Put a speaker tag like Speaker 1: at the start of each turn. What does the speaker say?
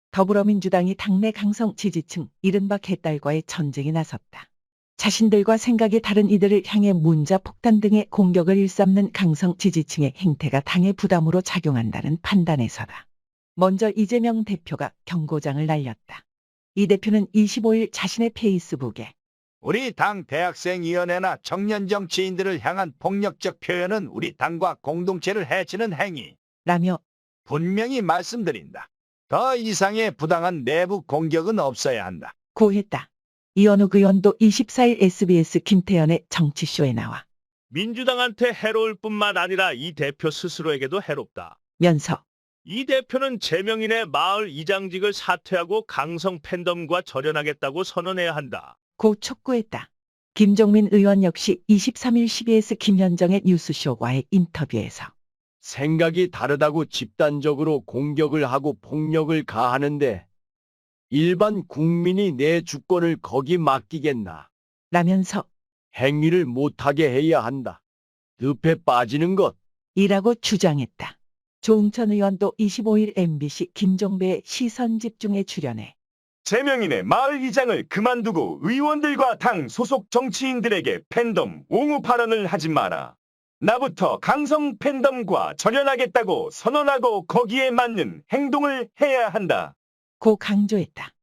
Speaker 1: 더불어민주당이 당내 강성 지지층 이른바 개딸과의 전쟁에 나섰다. 자신들과 생각이 다른 이들을 향해 문자 폭탄 등의 공격을 일삼는 강성 지지층의 행태가 당의 부담으로 작용한다는 판단에서다. 먼저 이재명 대표가 경고장을 날렸다. 이 대표는 25일 자신의 페이스북에
Speaker 2: 우리 당 대학생위원회나 청년 정치인들을 향한 폭력적 표현은 우리 당과 공동체를 해치는 행위.
Speaker 1: 라며
Speaker 2: 분명히 말씀드린다. 더 이상의 부당한 내부 공격은 없어야 한다.
Speaker 1: 고했다. 이현욱 의원도 24일 SBS 김태현의 정치쇼에 나와
Speaker 3: 민주당한테 해로울 뿐만 아니라 이 대표 스스로에게도 해롭다.
Speaker 1: 면서
Speaker 3: 이 대표는 제명인의 마을 이장직을 사퇴하고 강성 팬덤과 절연하겠다고 선언해야 한다.
Speaker 1: 고 촉구했다. 김종민 의원 역시 23일 CBS 김현정의 뉴스쇼와의 인터뷰에서
Speaker 4: 생각이 다르다고 집단적으로 공격을 하고 폭력을 가하는데 일반 국민이 내 주권을 거기 맡기겠나.
Speaker 1: 라면서
Speaker 4: 행위를 못하게 해야 한다. 늪에 빠지는 것.
Speaker 1: 이라고 주장했다. 조응천 의원도 25일 MBC 김종배의 시선집중에 출연해
Speaker 5: 제명인의 마을 이장을 그만두고 의원들과 당 소속 정치인들에게 팬덤 옹호 발언을 하지 마라. 나부터 강성 팬덤과 절연하겠다고 선언하고 거기에 맞는 행동을 해야 한다.
Speaker 1: 고 강조했다.